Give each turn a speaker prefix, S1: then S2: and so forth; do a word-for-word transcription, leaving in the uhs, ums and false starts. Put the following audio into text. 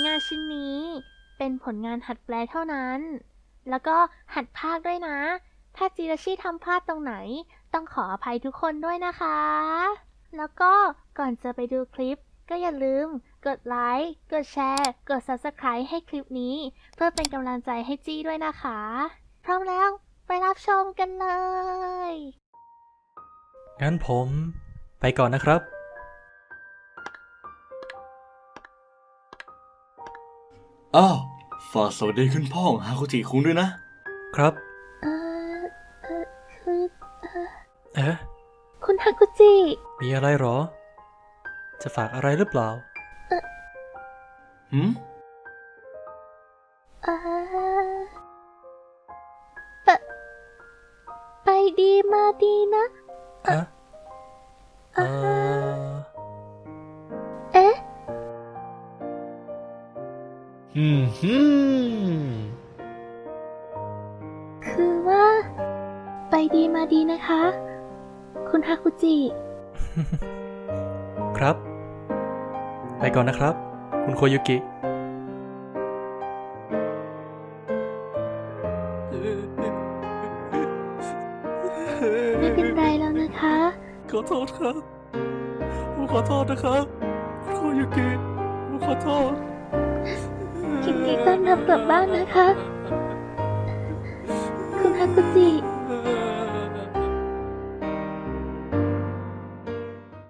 S1: งานชิ้นนี้เป็นผลงานหัดแปลเท่านั้น แล้วก็หัดพากย์ด้วยนะ ถ้าจิราชิทำพลาดตรงไหนต้องขออภัยทุกคนด้วยนะคะ แล้วก็ก่อนจะไปดูคลิปก็อย่าลืมกดไลค์ กดแชร์ กด ซับสไครบ์ ให้คลิปนี้เพื่อเป็นกำลังใจให้จี้ด้วยนะคะ พร้อมแล้วไปรับชมกันเลย
S2: งั้นผมไปก่อนนะครับ
S3: อ้าวฝากสวัสดีคุณพ่อของฮาคุจิคุงด้วยนะครับ
S1: เออเออคือ
S2: เอ๊ะ
S1: คุณฮากุจิ
S2: มีอะไรหรอ จะฝากอะไรหรือเปล่า
S3: หืม
S1: เออไปไปดีมาดีนะ
S2: ฮะเออ
S1: เอ๊ะ
S3: อืมฮึม
S1: คือว่า ไปดีมาดีนะคะ คุณฮากุจิ
S2: ครับ ไปก่อนนะครับ คุณโคยุกิ
S1: ไม่เป็นไรแล้วนะคะ
S3: ขอโทษครับผมขอโทษนะครับคุณโคยุกิผมขอโทษ
S1: ยินดีต้อนรับกลับบ้านนะคะ คุณฮากุจิ